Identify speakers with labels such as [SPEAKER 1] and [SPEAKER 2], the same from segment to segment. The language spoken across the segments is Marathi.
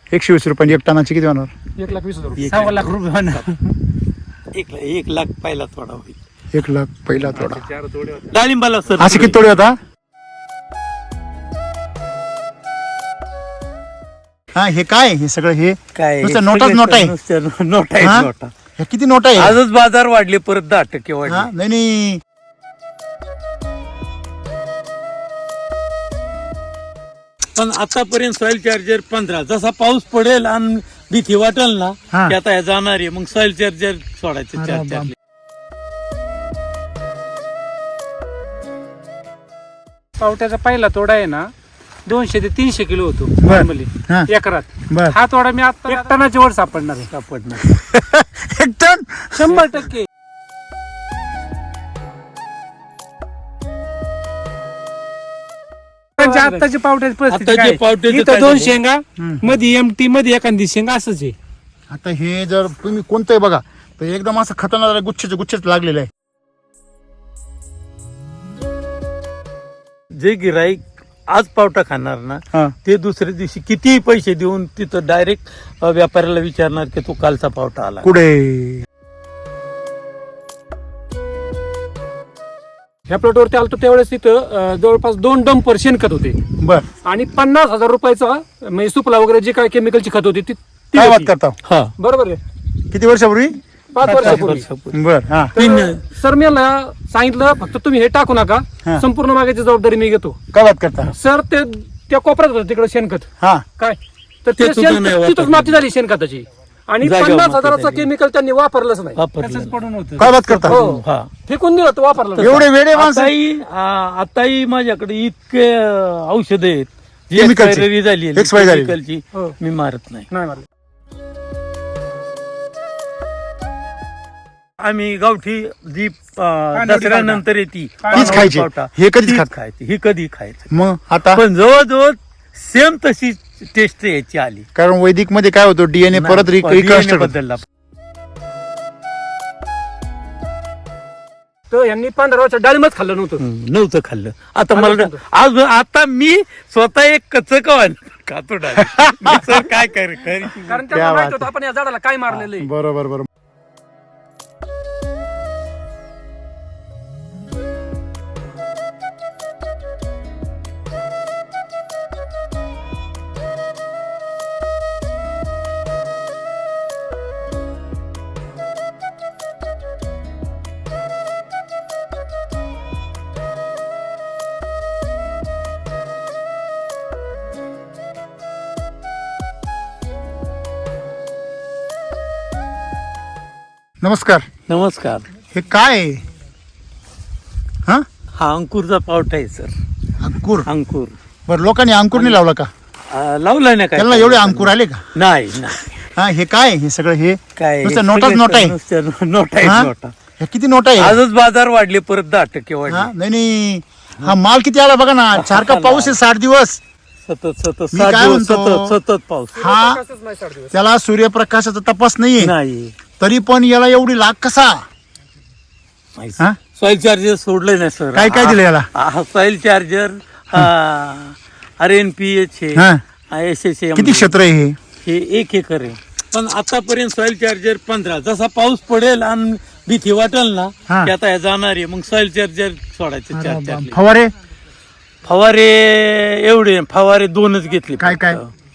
[SPEAKER 1] 120 रुपये एक टनाची किती होणार?
[SPEAKER 2] 1,20,000
[SPEAKER 3] 1 लाख रुपये होणार. 1 लाख पहिला थोडा होईल.
[SPEAKER 1] 1 लाख पहिला तोडा.
[SPEAKER 2] 4 तोडे होते.
[SPEAKER 3] डाळिंबाला सर
[SPEAKER 1] असे किती तोडे होता? हा हे काय हे सगळं हे
[SPEAKER 3] काय
[SPEAKER 1] नुसतं नोटाच नोट आहे.
[SPEAKER 3] नोट आहे
[SPEAKER 1] हा?
[SPEAKER 3] नोटा.
[SPEAKER 1] हे किती नोट आहे?
[SPEAKER 3] आजच बाजार वाढले परत 10%
[SPEAKER 1] हा?
[SPEAKER 3] वाढले.
[SPEAKER 1] नाही
[SPEAKER 3] पण आतापर्यंत सॉइल चार्जर 15 जसा पाऊस पडेल आणि भीती वाटेल ना
[SPEAKER 1] हा.
[SPEAKER 3] की आता हे जाणार आहे मग सॉइल चार्जर सोडायचे
[SPEAKER 1] अरे
[SPEAKER 3] 4
[SPEAKER 1] बाप.
[SPEAKER 2] पावट्याचा पहिला तोडा आहे ना 200 ते 300 किलो होतो
[SPEAKER 1] बर.
[SPEAKER 2] नॉर्मली
[SPEAKER 1] हा.
[SPEAKER 2] एकरात.
[SPEAKER 1] बर.
[SPEAKER 2] हा तोडा मी आता 1 टनाची वर सापडणार आहे.
[SPEAKER 3] सापडणार.
[SPEAKER 1] 1 टन
[SPEAKER 2] 100%. आताची पावट्याची परिस्थिती
[SPEAKER 3] आताची
[SPEAKER 2] काय?
[SPEAKER 3] पावट्याचं
[SPEAKER 2] इथं
[SPEAKER 3] काय
[SPEAKER 2] 2
[SPEAKER 3] झालं?
[SPEAKER 2] शेंगा मध्ये एमटी मध्ये एखादी शेंगा असंच आहे.
[SPEAKER 1] आता हे जर तुम्ही कोणतंही बघा तर एकदम असं खतरनाक गुच्छेच लागलेलं आहे.
[SPEAKER 3] जे गिराईक आज पावटा खाणार ना
[SPEAKER 1] हा.
[SPEAKER 3] ते दुसऱ्या दिवशी कितीही पैसे देऊन तिथं डायरेक्ट व्यापाऱ्याला विचारणार की तो कालचा पावटा आला.
[SPEAKER 1] कुठे
[SPEAKER 2] ह्या प्लॉटवरती आलतो त्यावेळेस तिथं जवळपास 2 डंपर शेणखत होते
[SPEAKER 1] बर
[SPEAKER 2] आणि 50,000 रुपयाचा म्हणजे सुपला वगैरे जे काय केमिकलची खत होती ती
[SPEAKER 1] काय
[SPEAKER 2] होती.
[SPEAKER 1] बात करता?
[SPEAKER 3] हा
[SPEAKER 2] बरोबर आहे.
[SPEAKER 1] किती वर्षापूर्वी?
[SPEAKER 2] 5 वर्षापूर्वी.
[SPEAKER 3] वर्षापूर्वी.
[SPEAKER 1] बर हा
[SPEAKER 2] तर सर मी याला सांगितलं फक्त तुम्ही हे टाकू नका,
[SPEAKER 1] हा.
[SPEAKER 2] संपूर्ण मागायची जबाबदारी मी घेतो.
[SPEAKER 1] काय बात करता?
[SPEAKER 2] सर ते त्या कोपऱ्यात होतं तिकडे शेणखत
[SPEAKER 1] हा
[SPEAKER 2] काय तर
[SPEAKER 3] ते
[SPEAKER 2] ते
[SPEAKER 3] सुद्धा नाही वापरलं.
[SPEAKER 2] तिथंच माती झाली शेणखताची आणि
[SPEAKER 3] जागेवर
[SPEAKER 2] 50,000चा
[SPEAKER 3] माती झाली.
[SPEAKER 2] केमिकल त्यांनी वापरलंच नाही.
[SPEAKER 3] वापरलं.
[SPEAKER 2] पडून होतं.
[SPEAKER 1] काय बात करता?
[SPEAKER 2] हो.
[SPEAKER 3] हा
[SPEAKER 2] फेकून दिलं होतं, वापरलं नाही.
[SPEAKER 1] एवढे वेडे माणसं
[SPEAKER 3] आताही माझ्याकडे इतके औषध आहेत जी
[SPEAKER 1] Chemicalची.
[SPEAKER 3] expiry झाली आहे,
[SPEAKER 1] Expiry झाली.
[SPEAKER 3] chemicalची,
[SPEAKER 2] हो.
[SPEAKER 3] मी मारत नाही.
[SPEAKER 2] नाही मारलं.
[SPEAKER 3] आम्ही गावठी जी दसऱ्यानंतर येते
[SPEAKER 1] तीच खायची. हे कधीच
[SPEAKER 3] तीच
[SPEAKER 1] खात.
[SPEAKER 3] खायची ही कधी खायचं
[SPEAKER 1] मग आता
[SPEAKER 3] पण जवळजवळ सेम तशी टेस्ट याची आली.
[SPEAKER 1] कारण वैदिक मध्ये काय होतं डीएनए परत
[SPEAKER 3] DNA
[SPEAKER 1] रिकन्स्ट्रक्ट
[SPEAKER 3] बदलला.
[SPEAKER 2] तर यांनी 15 वर्ष डाळिंबच खाल्लं नव्हतं.
[SPEAKER 3] नव्हतं खाल्लं. आता
[SPEAKER 2] खाल्लं
[SPEAKER 3] मला
[SPEAKER 2] नव्हतं.
[SPEAKER 3] आज आता मी स्वतः एक कचकवान खातो डाळिंब. मी सर काय करेन
[SPEAKER 2] कारण
[SPEAKER 1] क्या
[SPEAKER 2] त्यांना माहित
[SPEAKER 1] बात
[SPEAKER 2] होतं आपण या झाडाला काय मारलेलं आहे.
[SPEAKER 1] बरोबर बरोबर. नमस्कार.
[SPEAKER 3] नमस्कार.
[SPEAKER 1] हे काय आहे? हा
[SPEAKER 3] हा अंकुरचा पावटा आहे सर.
[SPEAKER 1] अंकुर.
[SPEAKER 3] अंकुर
[SPEAKER 1] बर लोकांनी अंकुर नाही लावला का?
[SPEAKER 3] लावलाय ना काय
[SPEAKER 1] त्याला एवढे अंकुर आले का?
[SPEAKER 3] नाही नाही
[SPEAKER 1] हा हे काय आहे? हे सगळं हे
[SPEAKER 3] काय
[SPEAKER 1] नुसतं नोटाच नोट आहे.
[SPEAKER 3] नोट आहे
[SPEAKER 1] हा?
[SPEAKER 3] नोटा.
[SPEAKER 1] हे किती नोट आहे?
[SPEAKER 3] आजच बाजार वाढले परत 10%
[SPEAKER 1] हा
[SPEAKER 3] वाढले.
[SPEAKER 1] नाही हा माल किती आला बघा ना. सारखा पाऊस आहे 60 दिवस.
[SPEAKER 3] सतत सतत
[SPEAKER 1] मी
[SPEAKER 3] 7
[SPEAKER 1] काय
[SPEAKER 3] दिवस
[SPEAKER 1] म्हणतो?
[SPEAKER 3] सतत पाऊस
[SPEAKER 1] हा
[SPEAKER 2] प्रकाशच नाही 60 दिवस.
[SPEAKER 1] त्याला सूर्यप्रकाशाचा तपास नाहीये
[SPEAKER 3] नाही.
[SPEAKER 1] तरी पण याला एवढी लाग कसा? हा?
[SPEAKER 3] सॉइल चार्जर सोडले नाही सर.
[SPEAKER 1] काय काय दिलं याला?
[SPEAKER 3] सॉइल चार्जर RNPH
[SPEAKER 1] हा.
[SPEAKER 3] SSM
[SPEAKER 1] किती क्षेत्र आहे हे?
[SPEAKER 3] हे 1 एकर आहे. पण आतापर्यंत सॉइल चार्जर 15 जसा पाऊस पडेल आणि भीती वाटेल ना
[SPEAKER 1] हा.
[SPEAKER 3] की आता हे जाणार आहे मग सॉइल चार्जर सोडायचे
[SPEAKER 1] अरे
[SPEAKER 3] 4
[SPEAKER 1] बाप. फवारे
[SPEAKER 3] फवारे एवढे फवारे 2च घेतले.
[SPEAKER 1] काय काय?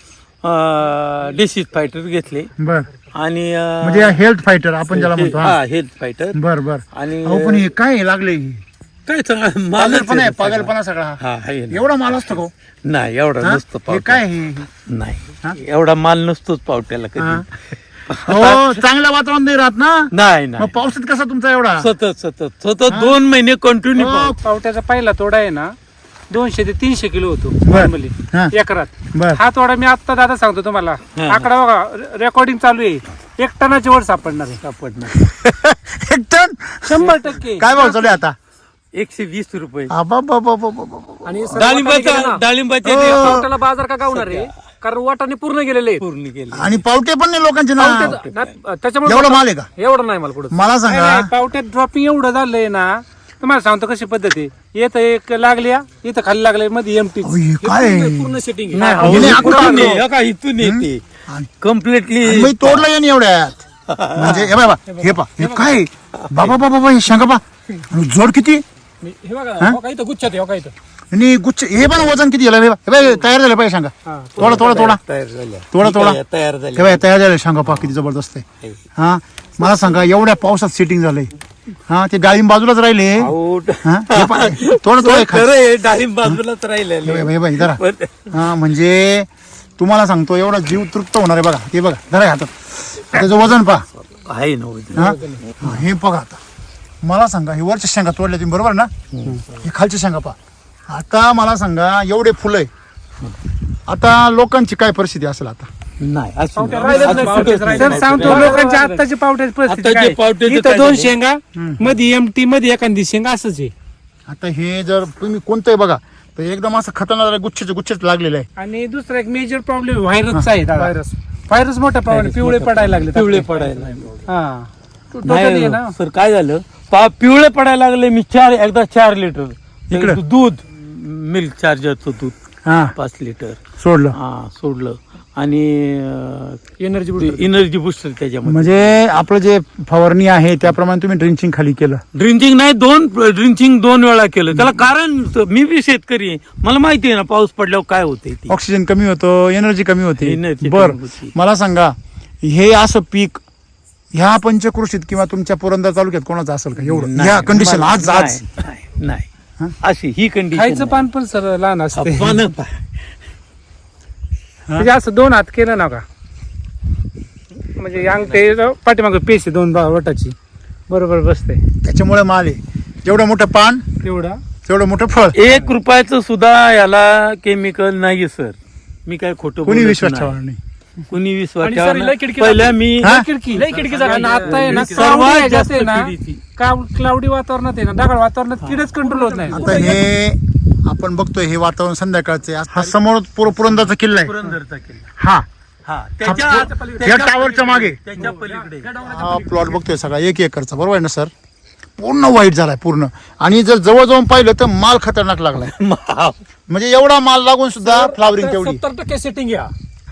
[SPEAKER 3] डिसीज फायटर घेतले
[SPEAKER 1] बर
[SPEAKER 3] आणि
[SPEAKER 1] म्हणजे हेल्थ फायटर आपण ज्याला म्हणतो. हा.
[SPEAKER 3] हा हेल्थ फायटर
[SPEAKER 1] बर बर.
[SPEAKER 3] आणि
[SPEAKER 1] अहो पण हे काय लागले?
[SPEAKER 3] काय
[SPEAKER 1] पागलपणा आहे पागलपणा सगळा.
[SPEAKER 3] हा आहे ना.
[SPEAKER 1] एवढा माल असतो का?
[SPEAKER 3] नाही एवढा
[SPEAKER 1] हा?
[SPEAKER 3] नसतो
[SPEAKER 1] हे
[SPEAKER 3] पावटा.
[SPEAKER 1] काय हे? हा?
[SPEAKER 3] नाही एवढा माल नसतोच पावट्याला
[SPEAKER 1] हा.
[SPEAKER 3] कधी.
[SPEAKER 1] हो चांगलं वातावरण नाही राहत ना.
[SPEAKER 3] नाही
[SPEAKER 1] मग
[SPEAKER 3] नाही
[SPEAKER 1] पावसात कसा तुमचा एवढा?
[SPEAKER 3] सतत 2 महिने कंटिन्यू
[SPEAKER 1] हो.
[SPEAKER 2] पावट्याचा पहिला तोडा आहे ना 200 ते 300 किलो होतो
[SPEAKER 1] बर.
[SPEAKER 2] नॉर्मली
[SPEAKER 1] हा.
[SPEAKER 2] एकरात.
[SPEAKER 1] बर
[SPEAKER 2] हा तोडा मी आता दादा सांगतो तुम्हाला.
[SPEAKER 3] हा.
[SPEAKER 2] आकडा बघा रेकॉर्डिंग चालू आहे. 1 टनाची वर सापडणार आहे.
[SPEAKER 3] सापडणार.
[SPEAKER 1] 1 टन
[SPEAKER 2] 100%.
[SPEAKER 1] काय भाव चालू आहे आता?
[SPEAKER 3] 120 रुपये.
[SPEAKER 1] आबाबाबाबाबाबा.
[SPEAKER 2] आणि सर वाटाणे गेले ना,
[SPEAKER 3] डाळिंबाचे
[SPEAKER 2] पावट्याला बाजार का गावणार आहे? कारण वाटाणे पूर्ण गेलेले आहेत.
[SPEAKER 3] पूर्ण केले.
[SPEAKER 1] आणि पावटे पण नाही लोकांचे ना.
[SPEAKER 2] त्याच्यामुळे
[SPEAKER 1] एवढा माल आहे का?
[SPEAKER 2] एवढं नाही मला कुठं.
[SPEAKER 1] मला सांगा.
[SPEAKER 2] नाही, पावट्यात ड्रॉपिंग एवढं झालंय ना तुम्हाला सांगतो कशी पद्धत आहे. येत एक लागल्या इथं खाली लागले मध्ये एमटी
[SPEAKER 1] अहो, हे काय आहे?
[SPEAKER 2] पूर्ण सेटिंग
[SPEAKER 3] नाही,
[SPEAKER 1] हे नाही,
[SPEAKER 3] इथून
[SPEAKER 1] आकडा
[SPEAKER 3] ये, हो का, इथून येते कम्प्लिटली
[SPEAKER 1] मी तोडलं या एवढ्यात म्हणजे हे बाबा हे काय बाबा बाबा हे शेंगा पा जोड किती
[SPEAKER 2] हे बघा इथं गुच्छात आहे, बघा इथं.
[SPEAKER 1] आणि गुच्छ हे पण वजन किती झालं हे बाई तयार झालं पाहिजे सांगा थोडा
[SPEAKER 3] तयार झाल्या
[SPEAKER 1] हे
[SPEAKER 3] तयार झाल्या
[SPEAKER 1] बाई तयार झालं सांगा पा किती जबरदस्त आहे हा मला सांगा एवढ्या पावसात सेटिंग झालंय हा ते डाळिंब बाजूलाच राहिले हा हे पहा, थोडं
[SPEAKER 3] खरं आहे, डाळिंब बाजूलाच राहिलेलं
[SPEAKER 1] हे बाई जरा हा म्हणजे तुम्हाला सांगतो एवढा जीव तृप्त होणार आहे बघा हे बघा जरा हातात त्याचं वजन पहा
[SPEAKER 3] आहे ना वजन.
[SPEAKER 1] हा हे बघा आता मला सांगा हे वरच्या शेंगा तोडल्या तुम्ही बरोबर ना हे खालच्या शेंगा पहा आता मला सांगा एवढे फुलं आहे आता लोकांची काय परिस्थिती असेल आता
[SPEAKER 3] नाही असं नाही.
[SPEAKER 2] सर सांगतो लोकांच्या आत्ताची पावट्याची परिस्थिती
[SPEAKER 3] आत्ताची
[SPEAKER 2] काय?
[SPEAKER 3] पावट्याचं
[SPEAKER 2] इथं
[SPEAKER 3] काय
[SPEAKER 2] 2
[SPEAKER 3] झालंय?
[SPEAKER 2] शेंगा मध्ये एमटी मध्ये एखादी शेंगा असंच आहे.
[SPEAKER 1] आता हे जर तुम्ही कोणतंही बघा तर एकदम असं खतरनाक गुच्छेच लागलेलं आहे
[SPEAKER 2] आणि दुसरा एक मेजर प्रॉब्लेम व्हायरसचा आहे व्हायरस मोठा प्रॉब्लेम पिवळे पडायला लागले
[SPEAKER 3] पिवळे पडायला
[SPEAKER 2] हा Totally आहे ना.
[SPEAKER 3] नाही सर काय झालं पिवळे पडायला लागले मी एकदा 4 लिटर
[SPEAKER 1] इकडं?
[SPEAKER 3] दूध मिल्क चार्जरचं दूध
[SPEAKER 1] हा
[SPEAKER 3] 5 लिटर
[SPEAKER 1] सोडलं
[SPEAKER 3] हा सोडलं आणि
[SPEAKER 2] एनर्जी
[SPEAKER 3] एनर्जी बुस्टर त्याच्यामध्ये
[SPEAKER 1] म्हणजे आपलं जे फवारणी आहे त्याप्रमाणे तुम्ही ड्रिंचिंग खाली केलं
[SPEAKER 3] ड्रिंचिंग नाही ड्रिंचिंग 2 वेळा केलं त्याला कारण मी बी शेतकरी आहे मला माहिती आहे ना पाऊस पडल्यावर काय होते ती
[SPEAKER 1] ऑक्सिजन कमी होतं एनर्जी कमी होते
[SPEAKER 3] Energy
[SPEAKER 1] बर
[SPEAKER 3] कमी होती.
[SPEAKER 1] मला सांगा हे असं पीक ह्या पंचकृषीत किंवा तुमच्या पुरंदर तालुक्यात कोणाचं असेल का एवढं
[SPEAKER 3] नाही,
[SPEAKER 1] ह्या कंडिशन
[SPEAKER 3] मला-
[SPEAKER 1] आज
[SPEAKER 3] नाही, नाही अशी ही
[SPEAKER 2] खायचं
[SPEAKER 3] कंडिशन
[SPEAKER 2] पान पण सर लहान असते
[SPEAKER 3] पानं
[SPEAKER 2] म्हणजे असं 2 हात केलं ना का म्हणजे अंग ते पाठीमागे पेशी 2 वटाची बरोबर बसते
[SPEAKER 1] त्याच्यामुळे माल आहे जेवढं मोठं पान
[SPEAKER 2] एवढा
[SPEAKER 1] तेवढं मोठं फळ
[SPEAKER 3] 1 रुपयाचं सुद्धा याला केमिकल नाही सर मी काय खोटं
[SPEAKER 1] कोणी
[SPEAKER 3] बोलत
[SPEAKER 1] विश्वास
[SPEAKER 3] नाही.
[SPEAKER 1] ठेवणार नाही
[SPEAKER 3] कुणी विश्वास
[SPEAKER 2] आणि
[SPEAKER 3] ठेवणार
[SPEAKER 2] सर, लय
[SPEAKER 3] नाही.
[SPEAKER 2] खिडकी
[SPEAKER 3] पहिल्या
[SPEAKER 2] जाते.
[SPEAKER 3] मी
[SPEAKER 1] हा?
[SPEAKER 2] आणि आता आहे ना
[SPEAKER 3] सर्वात
[SPEAKER 2] cloudy
[SPEAKER 3] जास्त
[SPEAKER 2] आहे ना
[SPEAKER 3] किडीची.
[SPEAKER 2] क्लाउडी वातावरणात आहे ना ढगाळ वातावरणात किडच कंट्रोल होत नाही
[SPEAKER 1] आता हे आपण बघतोय हे वातावरण संध्याकाळचे हा समोर पुरंदरचा किल्ला आहे
[SPEAKER 3] पुरंदरचा किल्ला
[SPEAKER 1] हा
[SPEAKER 3] हा
[SPEAKER 1] या टावरच्या मागे
[SPEAKER 3] त्याच्या पलीकडे
[SPEAKER 1] हा प्लॉट बघतोय सगळा 1 एकरचा बरोबर आहे ना सर पूर्ण वाईट झालाय पूर्ण आणि जर जवळ जाऊन पाहिलं तर माल खतरनाक लागलाय म्हणजे एवढा माल लागून सुद्धा फ्लावरिंग तेवढी
[SPEAKER 2] 70% सेटिंग घ्या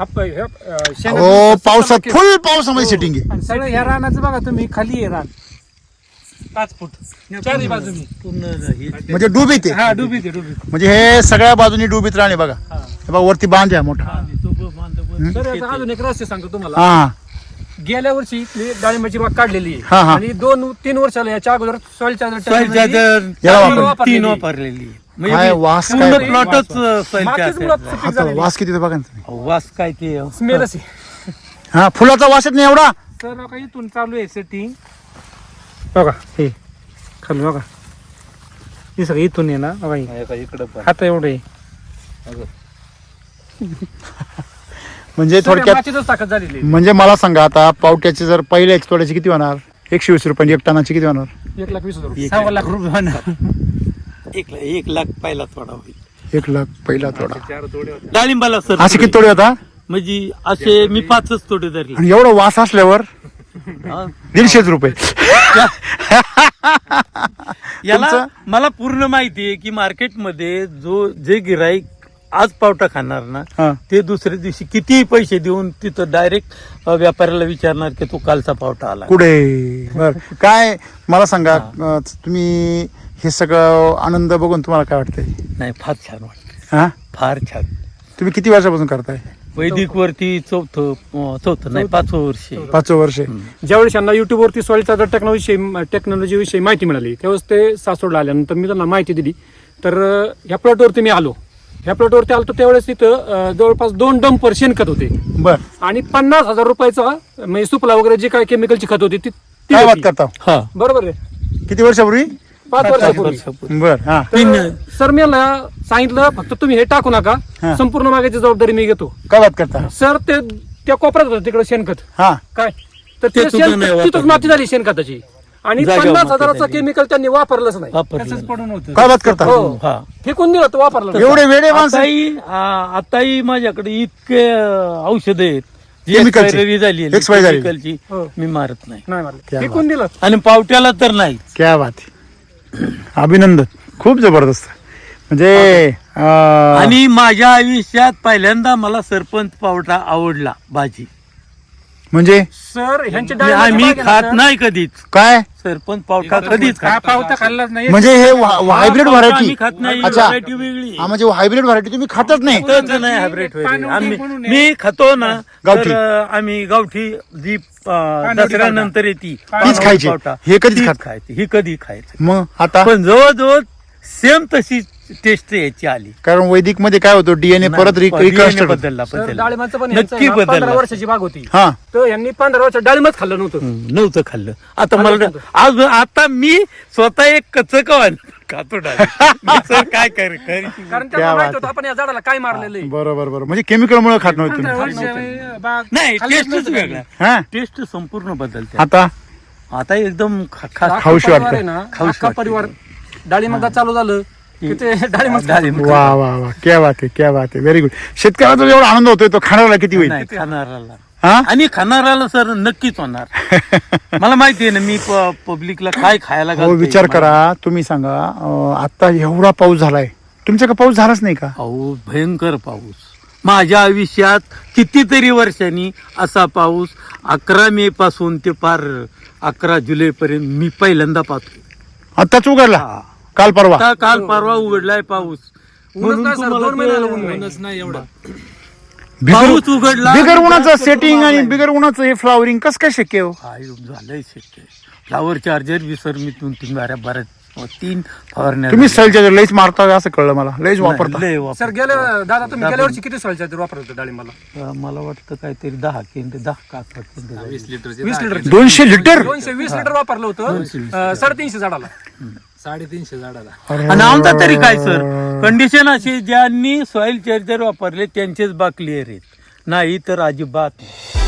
[SPEAKER 1] हो पावसात फुल पावसामध्ये सेटिंग आहे
[SPEAKER 2] सगळं ह्या रानाचं बघा तुम्ही खाली आहे रान 5 फूट चारही बाजूनी
[SPEAKER 3] पूर्ण
[SPEAKER 1] म्हणजे डुबीत आहे
[SPEAKER 2] हा डुबीत
[SPEAKER 1] म्हणजे हे सगळ्या बाजूनी डुबीत राहणे बघा हे बघा वरती बांध आहे मोठा
[SPEAKER 2] तर याचा अजून एक रहस्य सांगतो तुम्हाला
[SPEAKER 1] हा
[SPEAKER 2] गेल्या वर्षी इथली डाळिंबाची बाग काढलेली
[SPEAKER 1] हा,
[SPEAKER 2] आहे
[SPEAKER 1] हा.
[SPEAKER 2] आणि 2-3 वर्षाला याच्या अगोदर सॉइल चार्जर
[SPEAKER 1] याला वापरली.
[SPEAKER 3] 3 वापरलेली
[SPEAKER 1] काय वास काय
[SPEAKER 3] पूर्ण प्लॉटच
[SPEAKER 1] आता वास किती ते बघा ना तुम्ही.
[SPEAKER 3] वास काय ते
[SPEAKER 2] स्मेल असे
[SPEAKER 1] हा फुलाचा वास येत नाही एवढा
[SPEAKER 2] तर बघा इथून चालू आहे सेटिंग बघा हे खाली बघा हे सगळं इथून आहे ना बघा हे.
[SPEAKER 3] इकडं
[SPEAKER 2] आता एवढं आहे
[SPEAKER 1] म्हणजे थोडक्यात
[SPEAKER 2] मातीतच ताकद झालेली आहे.
[SPEAKER 1] म्हणजे मला सांगा आता पावट्याची जर पहिल्या तोड्याची किती होणार 120 रुपये 1 टनाची किती होणार
[SPEAKER 2] 1,20,000 रुपये 6 लाख रुपये होणार.
[SPEAKER 3] 1 लाख पहिला थोडा होईल
[SPEAKER 1] 1 लाख पहिला तोडा
[SPEAKER 3] डाळिंबाला सर
[SPEAKER 1] असे किती तोडे होता
[SPEAKER 3] म्हणजे असे मी 5च तोडे धरले
[SPEAKER 1] आणि एवढं वास असल्यावर
[SPEAKER 3] हा.
[SPEAKER 1] 150 रुपये
[SPEAKER 3] याला मला पूर्ण माहिती आहे की मार्केटमध्ये जे गिराईक आज पावटा खाणार ना
[SPEAKER 1] हा.
[SPEAKER 3] ते दुसऱ्या दिवशी कितीही पैसे देऊन तिथं डायरेक्ट व्यापाऱ्याला विचारणार की तो कालचा पावटा आला
[SPEAKER 1] कुठे बर काय मला सांगा तुम्ही हे सगळं आनंद बघून तुम्हाला काय वाटतंय
[SPEAKER 3] नाही फार छान वाटत
[SPEAKER 1] हा
[SPEAKER 3] फार छान
[SPEAKER 1] तुम्ही किती वर्षापासून करताय
[SPEAKER 3] वैदिक वरती चौथं नाही 5वं वर्ष
[SPEAKER 1] 5 वर्ष
[SPEAKER 2] ज्यावेळेस यांना युट्यूब वरती सॉइल चार्जर टेक्नॉलॉजी विषयी माहिती मिळाली त्यावेळेस ते सासवडला आल्यानंतर मी त्यांना माहिती दिली तर ह्या प्लॉटवरती मी आलो ह्या प्लॉटवरती आलो त्यावेळेस तिथं जवळपास 2 डंपर शेणखत होते
[SPEAKER 1] बर
[SPEAKER 2] आणि 50,000 रुपयाचा म्हणजे सुपला वगैरे जे काय केमिकलची खत होती ती
[SPEAKER 1] काय
[SPEAKER 2] होती.
[SPEAKER 1] बात करता
[SPEAKER 3] हा
[SPEAKER 2] बरोबर आहे
[SPEAKER 1] किती वर्षापूर्वी
[SPEAKER 2] 5 वर्षापूर्वी
[SPEAKER 1] बर हा
[SPEAKER 2] सर मी याला सांगितलं फक्त तुम्ही हे टाकू नका
[SPEAKER 1] हा.
[SPEAKER 2] संपूर्ण मागायची जबाबदारी मी घेतो
[SPEAKER 1] काय बात करता
[SPEAKER 2] सर ते त्या कोपऱ्यात होतं तिकडे शेणखत
[SPEAKER 1] हा
[SPEAKER 2] काय तर
[SPEAKER 3] ते
[SPEAKER 2] ते
[SPEAKER 3] सुद्धा नाही
[SPEAKER 2] तिथंच
[SPEAKER 3] वापरलं.
[SPEAKER 2] माती झाली शेणखताची आणि
[SPEAKER 3] जागेवर
[SPEAKER 2] 50,000चं
[SPEAKER 3] माती
[SPEAKER 2] केमिकल त्यांनी वापरलंच नाही
[SPEAKER 3] वापरलं
[SPEAKER 2] पडून होतं
[SPEAKER 1] काय बात करता
[SPEAKER 2] हो
[SPEAKER 3] हा
[SPEAKER 2] फेकून दिलं तर वापरलं नाही.
[SPEAKER 1] एवढे वेडे माणसं
[SPEAKER 3] आताही माझ्याकडे इतके औषध आहेत जी
[SPEAKER 1] Chemicalची.
[SPEAKER 3] expiry झाली आहे,
[SPEAKER 1] Expiry झाली.
[SPEAKER 3] chemicalची,
[SPEAKER 2] हो.
[SPEAKER 3] मी मारत नाही
[SPEAKER 2] नाही मारलं
[SPEAKER 1] क्या
[SPEAKER 2] फेकून दिलं
[SPEAKER 3] आणि पावट्याला तर नाही
[SPEAKER 1] क्या बात आहे. अभिनंदन खूप जबरदस्त म्हणजे
[SPEAKER 3] आणि माझ्या आयुष्यात पहिल्यांदा मला सरपंच पावटा आवडला भाजी.
[SPEAKER 1] म्हणजे
[SPEAKER 2] सर ह्यांचे
[SPEAKER 3] मी खात नाही कधीच
[SPEAKER 1] काय
[SPEAKER 3] सरपंच पावटा कधीच
[SPEAKER 2] का पावता खाल्लाच नाही.
[SPEAKER 1] म्हणजे हे हायब्रिड व्हरायटी
[SPEAKER 3] आम्ही खात नाही.
[SPEAKER 1] अच्छा.
[SPEAKER 3] व्हरायटी वेगळी
[SPEAKER 1] म्हणजे हायब्रिड व्हरायटी तुम्ही खातच नाही.
[SPEAKER 3] खातच नाही हायब्रिड व्हरायटी. मी खातो ना
[SPEAKER 1] गावठी.
[SPEAKER 3] तर आम्ही गावठी जी दसऱ्यानंतर येते
[SPEAKER 1] तीच खायची.
[SPEAKER 3] पावटा,
[SPEAKER 1] हे कधीच
[SPEAKER 3] तीच
[SPEAKER 1] खात-
[SPEAKER 3] खायची. ही कधी खायचं
[SPEAKER 1] मग आता
[SPEAKER 3] पण जवळजवळ सेम तशी टेस्ट याची आली.
[SPEAKER 1] कारण वैदिक मध्ये काय होतं डीएनए परत रिकन्स्ट्रक्ट
[SPEAKER 3] बदलला
[SPEAKER 2] सर डाळिंबाचं पण
[SPEAKER 3] नक्की
[SPEAKER 2] यांचं ना 15
[SPEAKER 3] बदलला.
[SPEAKER 2] वर्षाची बाग होती.
[SPEAKER 1] हा
[SPEAKER 2] तर यांनी 15 वर्ष डाळिंबच खाल्लं नव्हतं.
[SPEAKER 3] नव्हतं खाल्लं. आता मला आज आता मी स्वतः एक कचकवान खातो डाळिंब. सर काय कर
[SPEAKER 2] कारण
[SPEAKER 1] क्या
[SPEAKER 2] त्यांना माहित
[SPEAKER 1] बात
[SPEAKER 2] होतं आपण या झाडाला काय मारलेलं आहे.
[SPEAKER 1] बरोबर बरोबर म्हणजे केमिकल मुळे खात नव्हते
[SPEAKER 2] 15
[SPEAKER 1] तुम्ही.
[SPEAKER 2] वर्ष बाग
[SPEAKER 3] नाही
[SPEAKER 2] खाल्लंच
[SPEAKER 3] टेस्टच
[SPEAKER 2] नव्हतं.
[SPEAKER 3] वेगळा.
[SPEAKER 1] हा
[SPEAKER 3] टेस्ट संपूर्ण बदलते.
[SPEAKER 1] आता
[SPEAKER 3] आता एकदम
[SPEAKER 2] अख्खा
[SPEAKER 1] खाऊशी
[SPEAKER 2] परिवार
[SPEAKER 1] वाटतं.
[SPEAKER 2] आहे ना,
[SPEAKER 3] खाऊशी
[SPEAKER 2] अख्खा
[SPEAKER 3] वाटतं.
[SPEAKER 2] परिवार डाळिंबाचा चालू झालं की ते डाळिंब
[SPEAKER 1] वा वा वा क्या बात आहे क्या बात आहे व्हेरी गुड. शेतकऱ्याचा एवढा आनंद होतोय तो खाणाऱ्याला किती होईल.
[SPEAKER 3] नाही खाणाऱ्याला
[SPEAKER 1] हा
[SPEAKER 3] आणि खाणाऱ्याला सर नक्कीच होणार. मला माहिती आहे ना मी पब्लिकला काय खायला
[SPEAKER 1] हो
[SPEAKER 3] घालतोय.
[SPEAKER 1] विचार करा तुम्ही सांगा आता एवढा पाऊस झालाय तुमच्याकडे पाऊस झालाच नाही का.
[SPEAKER 3] पाऊस भयंकर पाऊस. माझ्या आयुष्यात कितीतरी वर्षांनी असा पाऊस 11 मे पासून ते पार 11 जुलै पर्यंत मी पहिल्यांदा पाहतो.
[SPEAKER 1] आताच उघडला काल परवा.
[SPEAKER 3] आता काल परवा उघडलाय पाऊस.
[SPEAKER 2] ऊनच नाही सर,
[SPEAKER 3] तुम्हाला
[SPEAKER 2] 2 महिन्याला ऊन
[SPEAKER 3] ते-
[SPEAKER 2] नाही.
[SPEAKER 3] पाऊस उघडला.
[SPEAKER 1] बिगर उन्हाचं सेटिंग आणि बिगर उन्हाचं हे फ्लावरिंग कसं काय शक्य हो.
[SPEAKER 3] काय झालंय शक्य. फ्लावर चार्जर बी सर मी 3 फवारण्या
[SPEAKER 1] तुम्ही सलच्या लईच मारता असं कळलं मला लईच वापरता.
[SPEAKER 3] लय वापर.
[SPEAKER 2] सर दादा तुम्ही गेल्या वर्षी किती सॉइल चार्जर वापरत होते डाळिंबाला.
[SPEAKER 3] मला वाटतं काहीतरी 10 केंद्र 10 का 11 केंद्र
[SPEAKER 2] 20 लिटर
[SPEAKER 1] 200 लिटर
[SPEAKER 2] 220 लिटर वापरलं होतं 350 झाडाला.
[SPEAKER 4] 350 झाडाला.
[SPEAKER 3] आणि आमचा तरी काय सर कंडिशन अशी ज्यांनी सॉइल चार्जर वापरले त्यांचेच बाग क्लिअर आहेत नाही तर अजिबात नाही.